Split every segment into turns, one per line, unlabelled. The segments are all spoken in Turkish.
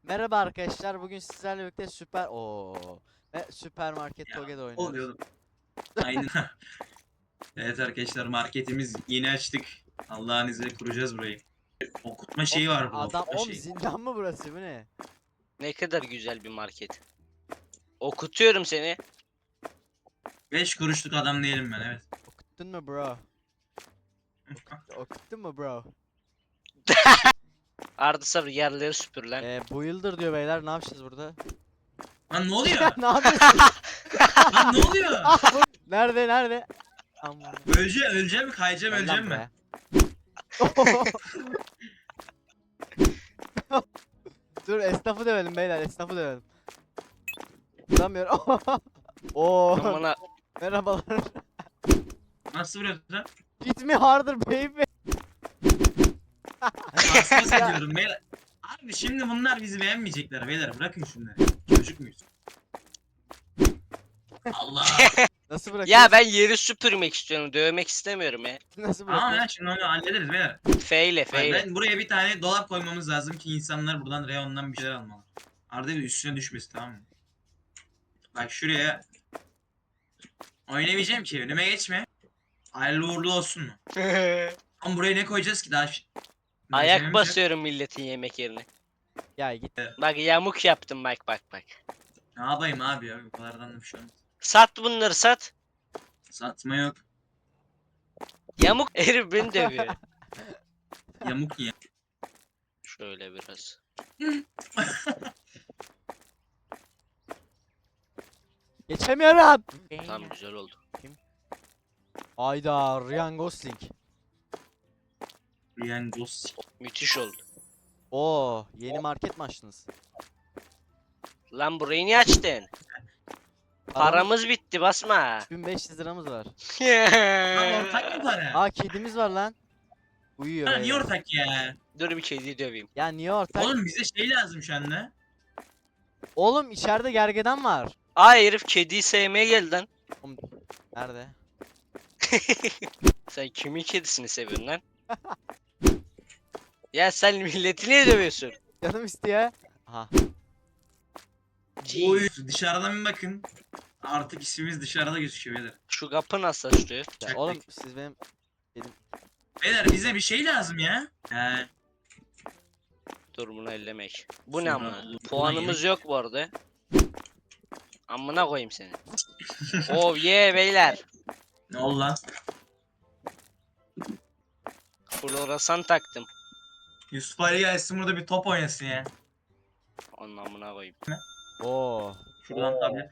Merhaba arkadaşlar. Bugün sizlerle birlikte süpermarket
Ya
Toge'de oynuyoruz.
oluyor. Aynen. Evet arkadaşlar marketimiz yeni açtık. Allah'ın izniyle kuracağız burayı. Okutma şeyi var burada, okutma şeyi.
Zindan mı burası? Bu ne?
Ne kadar güzel bir market. Okutuyorum seni.
5 kuruşluk adam değilim ben, evet.
Okuttun mu bro? Okuttun mu bro?
Arda sabır yerleri süpür lan.
Bu yıldır diyor beyler. Ne yapacağız burada?
Lan ne oluyor?
Ne yapıyorsun?
Lan ne oluyor?
Nerede? Aman.
Öleceğim mi? Kayacağım,
Gel
öleceğim
lan
mi?
be. Dur, esnafı dövelim beyler. Esnafı dövelim. Vuramıyorum. Oo.
Amına
Merhabalar.
Nasıl vuruyorsun lan?
Hit me harder baby.
Hassas ediyorum beyler. Abi şimdi bunlar bizi beğenmeyecekler beyler, bırakın şunları. Çocuk muyuz? Allah.
Nasıl bırakıyorsun?
ya ben yeri süpürmek istiyorum. Dövmek istemiyorum ya.
Nasıl
Tamam
bırakıyorsun?
ya, şimdi onu hallederiz beyler.
Feyle
Hayır,
feyle.
ben buraya bir tane dolap koymamız lazım ki insanlar buradan reyondan bir şeyler almalı. Arada bir üstüne düşmesin, tamam mı? Bak şuraya. Oynamayacağım ki, önüme geçme. Hayırlı uğurlu olsun mu? Ama buraya ne koyacağız ki daha?
Ayak
Malzememiz yok.
basıyorum milletin yemek yerine.
Ya git.
Bak yamuk yaptım bak.
Ne yapayım abi ya, bu kadardan da bir şey olmaz.
Sat bunları sat.
Satma yok.
Yamuk herif beni dövüyor.
Yamuk ya.
Şöyle biraz.
Geçemiyorum.
Tamam güzel oldu.
Ayda Ryan Gosling.
Ryan Gosling.
Müthiş oldu.
Oo, yeni market mi açtınız?
Lan burayı niye açtın? Paramız bitti basma.
3500 liramız var.
Lan ortak mı para?
Aa, kedimiz var lan. Uyuyor
Ha, niye
beyler.
ortak ya?
Dur bir kediyi döveyim.
Ya niye ortak?
Oğlum bize şey lazım şu anda.
Oğlum içeride gergedan var.
Aa herif kediyi sevmeye geldi lan.
Oğlum, nerede?
Sen kimin kedisini seviyorsun lan? Ya sen milleti niye dövüyorsun?
Canım istiyor. Aha.
Oy, dışarıdan bir bakın. Artık ismimiz dışarıda gözüküyor beyler.
Şu kapı nasıl açılıyor?
Ya
Çok
oğlum
pek.
siz benim
Beyler bize bir şey lazım ya. He.
Dur bunu ellemek. Bu ne
Sonra
amına?
buna
Puanımız
yemek-
yok bu arada. Amına koyayım seni. Oh yeah beyler.
Ne oldu lan?
Floresan taktım.
Yusuf Ali gelsin burada bir top oynasın ya.
Onun amına koyayım.
Oo.
Şuradan tablet.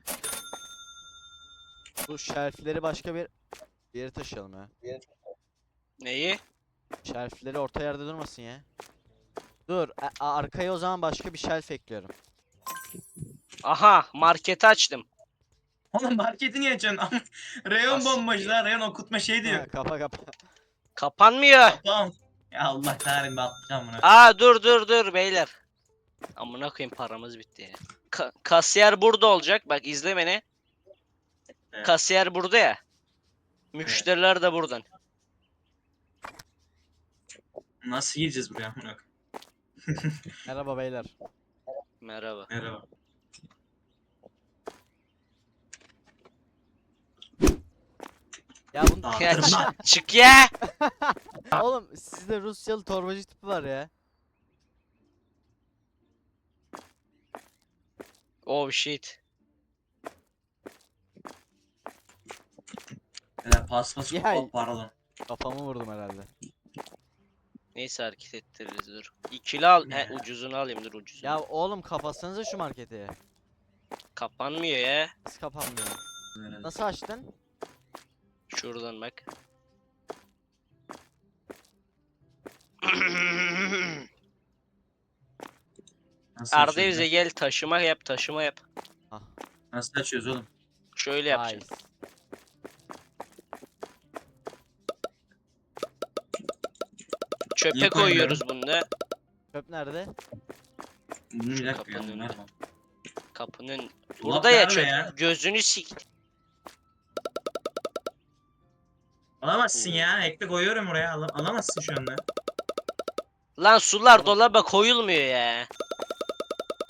Bu şerfleri başka bir yere taşıyalım ya.
Neyi?
Şerfleri orta yerde durmasın ya. Dur, arkaya o zaman başka bir şelf ekliyorum.
Aha marketi açtım.
Oğlum marketi niye açıyorsun? Reyon
Asiktir.
bombacılar, reyon okutma şey
Ha,
diyor.
kapa.
Kapanmıyor.
Tamam. Ya Allah kahretsin, ben atlayacağım bunu.
Aa dur beyler. Amına koyayım paramız bitti ya. Kasiyer burada olacak. Bak izle beni.
Evet.
Kasiyer burada ya. Müşteriler de buradan.
Nasıl gireceğiz buraya? Bırak.
Merhaba beyler.
Merhaba.
Merhaba.
Ya bunu
Aa,
Ya
tırma.
çık ya.
oğlum sizde Rusyalı torbacı tipi var ya.
Oh shit.
Beyler pas.
Ya.
Oh, pardon.
Kafamı vurdum herhalde.
Neyse hareket ettiririz dur. İkili al. He ucuzunu alayım dur ucuzunu.
Ya oğlum kapatsanıza şu marketi.
Kapanmıyor ya.
Nasıl kapanmıyor?
Böyle.
Nasıl açtın?
Şuradan bak.
Nasıl
Arda
açıyoruz
bize
ya?
gel taşıma yap.
Nasıl açıyoruz oğlum?
Şöyle yapacaksın.
Nice.
Çöpe
Niye
koyuyoruz bunu da.
Çöp nerede?
Bunu bir dakika ya.
Kapının
bunlar
önüne.
falan.
Kapının.
Dolap
Burada ya
nerede
çöp.
ya?
Gözünü sik.
Alamazsın ya. Ekle koyuyorum oraya. Alamazsın şu anda.
Lan sular dolaba koyulmuyor ya.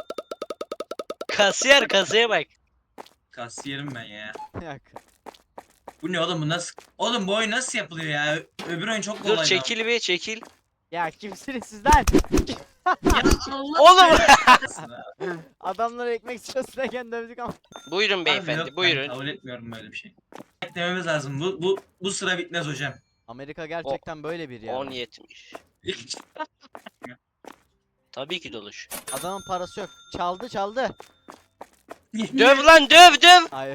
Kasiyer kasaya bak.
Kasiyerim ben ya.
Yok.
Bu ne oğlum, bu nasıl? Oğlum bu oyun nasıl yapılıyor ya? Öbür oyun çok
Dur
kolaydı.
çekil bir çekil.
Ya kimsiniz sizden?
Ya Allah
Oğlum.
belanı.
Adamlara ekmek istiyorsun dövdük ama.
Buyurun
Abi
beyefendi
yok, ben
buyurun.
kabul etmiyorum böyle bir şey. Beklememiz lazım. Bu sıra bitmez hocam.
Amerika gerçekten böyle bir yer.
10.70. Tabii ki doluş.
Adamın parası yok. Çaldı çaldı.
Döv lan döv.
Hayır.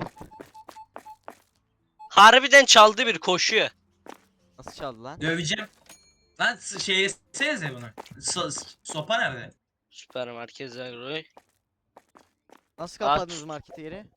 Harbiden çaldı bir koşuyor.
Nasıl çaldı lan?
Döveceğim. Lan şey yesenize bunu. Sopa nerede?
Süpermarket Zagroy.
Nasıl kapadınız marketi yeri?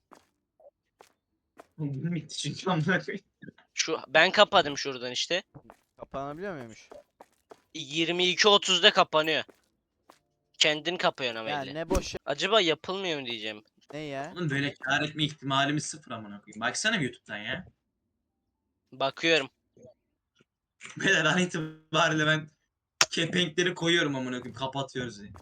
Bitti çünkü amına koyayım.
Şu ben kapadım şuradan işte.
Kapanabiliyor muymuş?
22.30'da kapanıyor. Kendin kapıyorsun ama
Ya
elle.
ne boş
Acaba yapılmıyor mu diyeceğim.
ne ya?
Oğlum böyle kâr etme ihtimalimiz sıfır amına koyayım. Baksana bir YouTube'dan ya.
Bakıyorum.
Böyle an itibariyle ben kepenkleri koyuyorum amına koyayım. Kapatıyoruz diye.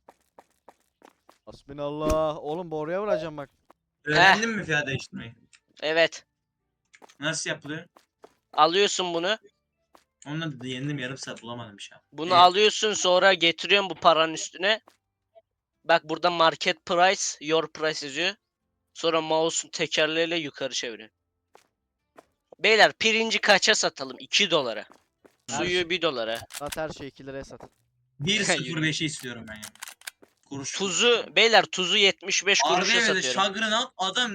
Hasbinallah. Oğlum boruya vuracağım bak.
Öğrendin mi fiyat değiştirmeyi?
Evet.
Nasıl yapılıyor?
Alıyorsun bunu.
Onunla da yendim, yarım saat bulamadım bir şey.
Bunu
Evet.
alıyorsun sonra getiriyorsun bu paranın üstüne. Bak burada market price, your price yazıyor. Sonra mouse'un tekerleğiyle yukarı çeviriyorsun. Beyler pirinci kaça satalım? 2 dolara.
Her
Suyu
şey-
1 dolara.
Sat her şeyi 2 liraya sat.
1.05'i istiyorum ben ya. Kuruş.
Tuzu beyler tuzu 75 kuruşa
Arda evde
satıyorum.
şagrını adam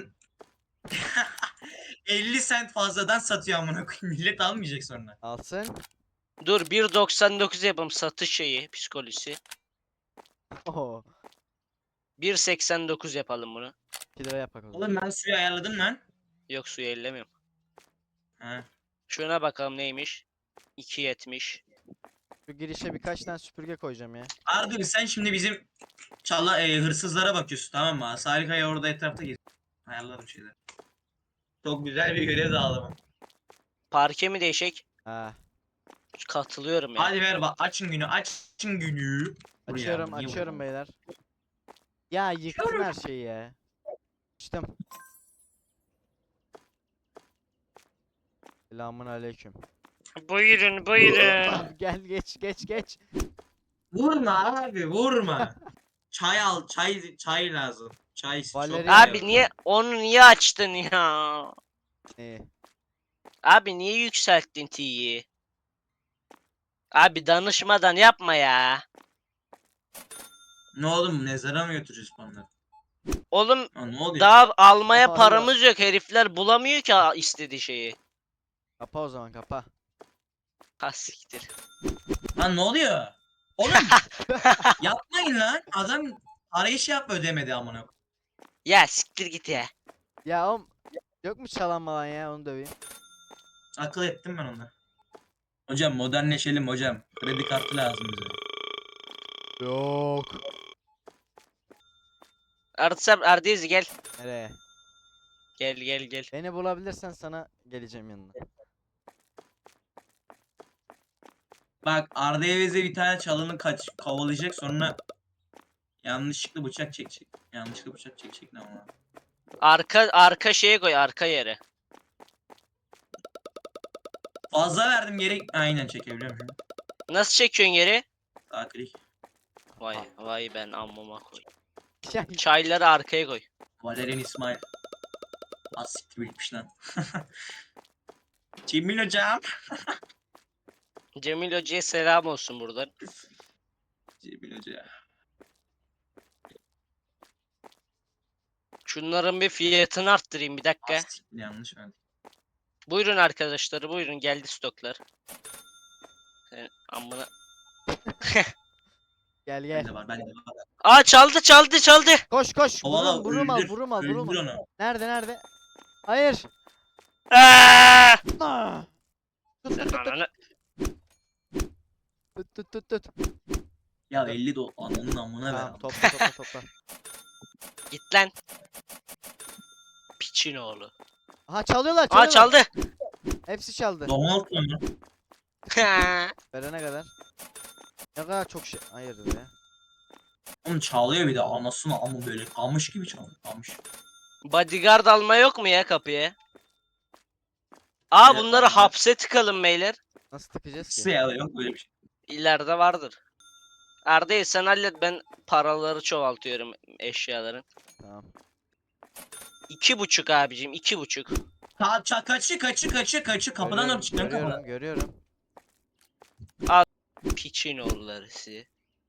50 sent fazladan satıyor amına koyayım. Millet almayacak sonra.
Alsın.
Dur 1.99 yapalım satış şeyi psikolojisi.
Oho.
1.89 yapalım bunu.
2 lira yap bakalım.
Oğlum ben suyu ayarladım lan.
Yok suyu ellemiyorum.
Ha.
Şuna bakalım neymiş. 2.70.
Şu girişe birkaç tane süpürge koyacağım ya.
Arda sen şimdi bizim hırsızlara bakıyorsun, tamam mı? Sarikaya orada etrafta geziyor. Ayarlarım şeyler. Çok güzel bir görev dağılımı.
Parke mi değişik?
Ha.
Katılıyorum ya.
Hadi ver bak, açın günü, açın günü. Buraya,
Açıyorum
niye
açıyorum
vurdun?
beyler. Ya yıktın her şeyi ya. Açtım. Selamun aleyküm.
Buyurun buyurun.
Gel geç.
Vurma abi, vurma. Çay al, çay lazım. Çay çok
Valeri-
Abi niye onu niye açtın ya?
İyi.
Abi niye yükselttin T'yi? Abi danışmadan yapma ya.
Ne oğlum, mezara mı götüreceğiz bunları?
Oğlum
Ha, ne oluyor?
daha almaya
Hala.
paramız yok. Herifler bulamıyor ki istediği şeyi.
Kapa o zaman kapa.
Ha siktir.
Lan ne oluyor? Oğlum yapmayın lan. Adam parayı şey yapma, ödemedi amına.
Ya siktir git ya.
Ya oğlum yok mu çalan malan ya onu döveyim.
Akıl ettim ben onda. Hocam modernleşelim hocam. Kredi kartı lazım bize.
Yok.
Ardezi gel.
Nereye?
Gel.
Beni bulabilirsen sana geleceğim yanına.
Bak Arda Evez'e bir tane çalını kovalayacak, sonra yanlışlıkla bıçak çekecek. Yanlışlıkla bıçak çekecek ne ama.
Arka şeye koy arka yere.
Fazla verdim, geri aynen çekebiliyorum şimdi.
Nasıl çekiyorsun yeri?
Sağ klik.
Vay ben ammama koy.
Ya,
Çayları arkaya koy.
Valerian İsmail. Az siktir bitmiş lan. Cemil hocam.
Cemil Hoca'ya selam olsun buradan.
Cemil hoca.
Şunların bir fiyatını arttırayım bir dakika.
Az siktir, yanlış verdim.
Buyurun arkadaşlar buyurun geldi stoklar. Amına.
gel
Bende var, bende var.
Aa çaldı.
Koş.
Kovala,
Vurum al
öldür,
vurum al.
öldür onu.
Nerede? Hayır.
Aa!
Ah! Tut
Sen
tut tut
ananı-
tut.
Ya 50 ananın amına ver.
Tamam topla.
Git lan. Piçin oğlu.
Aha çalıyorlar.
Aa çaldı.
Hepsi çaldı.
Donald mı?
Verene kadar. Ne kadar çok şey. Hayırdır ya.
Oğlum çalıyor bir de anasını ama böyle kamış gibi çalıyor. Kamış.
Bodyguard alma yok mu ya kapıya? Aa,
Evet,
bunları
bodyguard.
hapse tıkalım beyler.
Nasıl tıkacağız ki?
Nasıl ya, yok böyle bir şey.
İleride vardır. Arda'yı sen hallet, ben paraları çoğaltıyorum eşyaların.
Tamam.
2,5 abicim, 2,5.
Kaçı kapıdan
Görüyorum,
doğru çıkıyor kapıdan.
görüyorum.
Piçin oğulları sizi.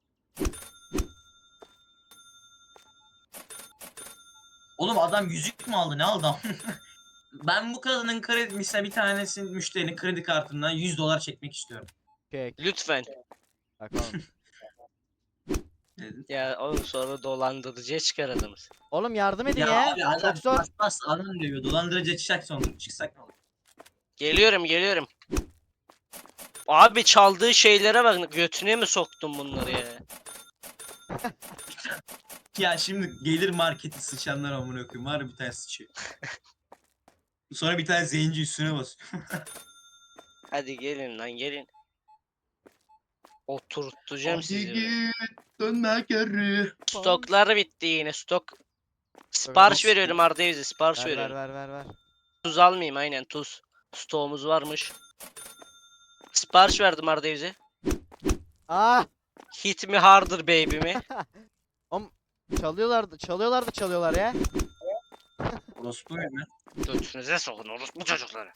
Oğlum adam yüzük mü aldı, ne aldı? Ben bu kadının kredi, mesela bir tanesinin müşterinin kredi kartından $100 çekmek istiyorum.
Kek.
Lütfen.
Bak oğlum.
Dedim.
Ya oğlum, sonra dolandırıcıya çıkar adamız.
Oğlum yardım edin
Ya
ya.
abi adam
Çok zor.
paspas adam diyor. Dolandırıcı çıksak sonra çıksak ne olur?
Geliyorum. Abi çaldığı şeylere bak, götüne mi soktun bunları ya?
Ya şimdi gelir marketi sıçanlar amına koyayım. Var ya bir tane sıçıyor. Sonra bir tane zenci üstüne basıyor.
Hadi gelin lan, gelin. Oturtacağım sizi.
dönme geri.
Stoklar bitti yine, stok. Sipariş
Yok.
veriyorum Arda'ya, bize sipariş
Ver
veriyorum.
ver.
Tuz almayayım, aynen tuz. Stoğumuz varmış. Sipariş verdim Arda'ya bize.
Ah!
Hit me harder baby mi?
Oğlum çalıyorlar ya.
Orospu muyum ben?
Götünüze sokun orospu çocukları.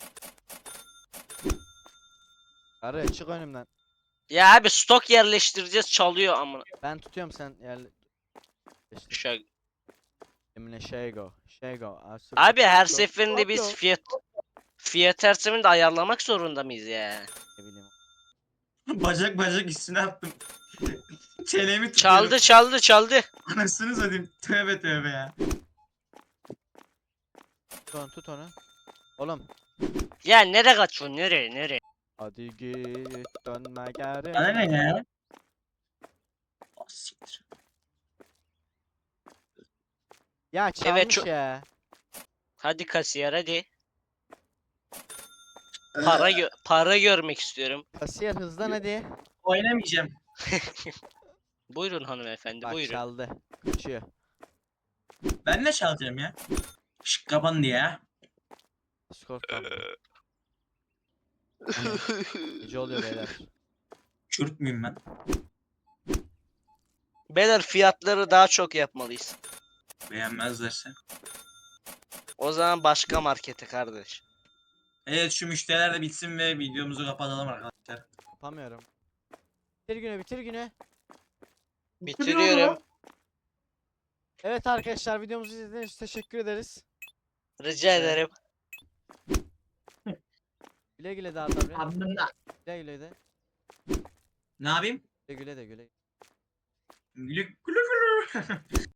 Arı çık önümden.
Ya abi, stok yerleştireceğiz, çalıyor amına.
Ben tutuyorum sen yerle. İşte,
Şaka.
Emine Şego.
Abi her seferinde biz fiyat tersimini de ayarlamak zorunda mıyız ya?
Ne bileyim.
Bacak üstüne attım. Çenemi tutuyorum.
Çaldı.
Anasını satayım. Tövbe ya.
Tut onu. Oğlum.
Ya nereye kaçıyorsun, nereye?
Hadi git dönme geri.
Bana ne ya? Ah, siktir.
Ya çalmış
Evet, çok-
ya.
Hadi kasiyer hadi.
Ee,
Para görmek istiyorum.
Kasiyer hızlan hadi.
Oynamayacağım.
Buyurun hanımefendi,
Bak
buyurun.
çaldı. Kaçıyor.
Ben ne çalacağım ya? Şık kapan diye ya.
Skor kaldı. Gece oluyor beyler.
Kürt müyüm ben?
Beyler, fiyatları daha çok yapmalıyız.
Beğenmezlerse.
O zaman başka markete kardeş.
Evet, şu müşteriler de bitsin ve videomuzu kapatalım arkadaşlar.
Yapamıyorum. Bitir günü.
Bitiriyorum.
Evet arkadaşlar videomuzu izlediğiniz için teşekkür ederiz.
Rica ederim.
Güle güle de Arda abi.
Abimden.
Güle de.
Ne yapayım?
Güle de.
Gülü gülü gülü.